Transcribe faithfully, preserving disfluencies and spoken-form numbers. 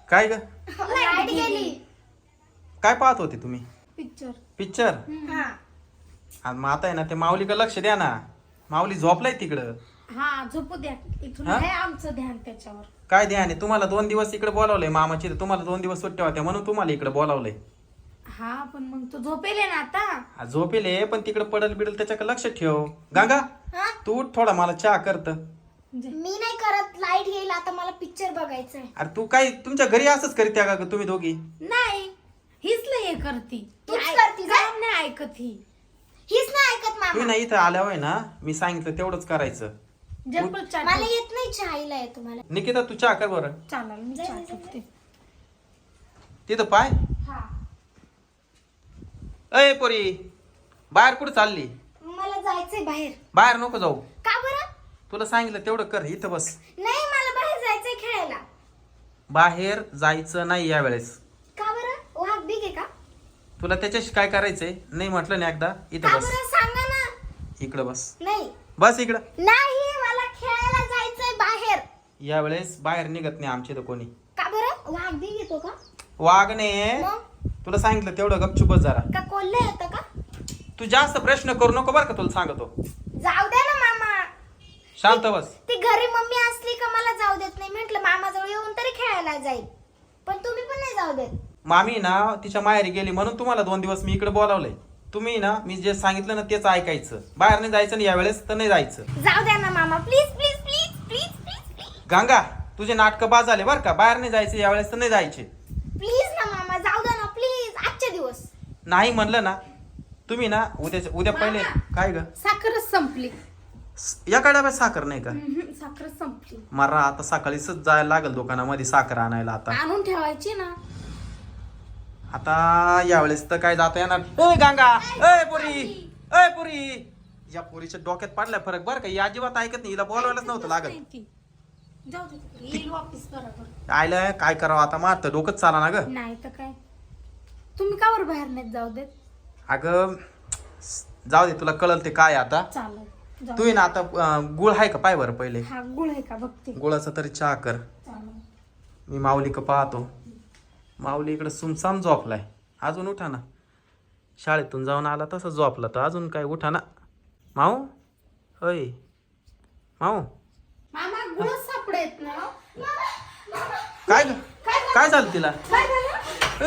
काय ग लाईट गेली. काय पाहत होते तुम्ही? पिक्चर. पिक्चर. हा आणि मग आता आहे ना ते माऊलीकडे लक्ष द्या ना. माऊली झोपलाय तिकडं. हा झोपू द्या. इथून हा? आहे आमचं ध्यान त्याच्यावर. काय ध्यान आहे तुम्हाला? दोन दिवस इकडे बोलावलंय मामाची, तुम्हाला दोन दिवस सुट्ट्या होत्या म्हणून तुम्हाला इकडे बोलावलंय. हा पण मग तो झोपेल आहे ना आता. हा, झोपेले पण तिकडे पडल बिडल त्याच्याकडे लक्ष ठेव. गंगा हा? तू उठ थोडा, मला चहा करत. म्हणजे मी नाही करत. लाईट येईल आता, मला पिक्चर बघायचंय. अरे तू काय तुमच्या घरी असंच करीत्या का ग तुम्ही दोघी? नाही हीच लय हे करती. तूच ती ऐक- करती का? काम नाही ऐकत ही. हीच नाही ऐकत तुम्ही मामा. ना इथं आल्यावर ना मी सांगितलं तेवढंच करायचं. जगपल चहा मला ठेव. येत नाही चहायला येतो मला. निकिता तू चहा कर बरं. चालेल मी चहा ठेवते. तिथं पाय. हा अय पोरी बाहेर कुठं चालली? मला जायचंय बाहेर. बाहेर नको जाऊ. का बरं? तुला सांगितलं तेवढं कर, इथं बस. नाही मला बाहेर जायचंय खेळायला. बाहेर जायचं नाही यावेळेस. का बरं? वाघ बिग आहे का? तुला त्याच्याशी काय करायचंय? नाही म्हटलं ना एकदा, का इथं बस. बरं सांगा ना. इकडं बस. नाही बस इकडं. नाही मला खेळायला जायचंय बाहेर. यावेळेस बाहेर निघत नाही आमच्या इथं कोणी. का बरं? वाघ बिग येतो का? वागणे मग तुला सांगितलं तेवढं गपचूप बस जरा. का कोल्हे येतं का? तू जास्त प्रश्न करू नको बरं का, तुला सांगतो. जाऊ द्या ना मामा. शांत बस. ती घरी मम्मी असली का मला जाऊ देत नाही. म्हंटल मामाजवळ येऊन तरी खेळायला जाईल, पण तुम्ही पण नाही जाऊ देत. मामी ना तिच्या माहेरी गेली म्हणून तुम्हाला दोन दिवस मी इकडे बोलावलंय. तुम्ही ना मी जे सांगितलं ना तेच ऐकायचं. बाहेर नाही जायचं ना यावेळेस, तर नाही जायचं. जाऊ द्या ना मामा, please please please please please please Ganga तुझे नाटकं बाद झाले बरं का. बाहेर नाही जायचं यावेळेस, तर नाही जायचे. प्लीज ना मामा, जाऊ द्या ना प्लीज. आजचे दिवस नाही म्हणलं ना तुम्ही ना उद्या उद्या पहिले. काय ग साखरच संपली. या डब्यात साखर नाही का? हम्म, साखरच संपली. मला आता सकाळीच जायला लागेल दुकानामध्ये साखर आणायला. आता आणून ठेवायची ना. आता यावेळेस तर काय जाता येणार. ए गंगा, ए पुरी, ए पुरी. या पोरीच्या डोक्यात पडलाय फरक बरं का. ही अजिबात ऐकत नाही. हिला बोलवायलाच नव्हतं लागत. नाही ती. जाऊ दे तिकडे. येईल वापस बरोबर. आयला काय करावं आता, मारतं डोकंच चाला ना ग. नाही तर काय. तुम्ही का बरं बाहेर नाही जाऊ देत? अगं जाऊ दे, तुला कळल ते काय आता. चालेल जाऊ तू ना आता अं, गुळ आहे का पाय बरं पहिले. हा गुळ आहे का बघते. गुळाचा तरी चहा कर. चालेल. मी माऊली का पाहतो. माऊली इकडे सुमसाम झोपलाय. अजून उठा ना. शाळेतून जाऊन आला तसं झोपला तर अजून काय उठा ना. माऊ अय माऊ मामा गुळच सापडत ना. काय ग? काय झालं तिला? काय झालं?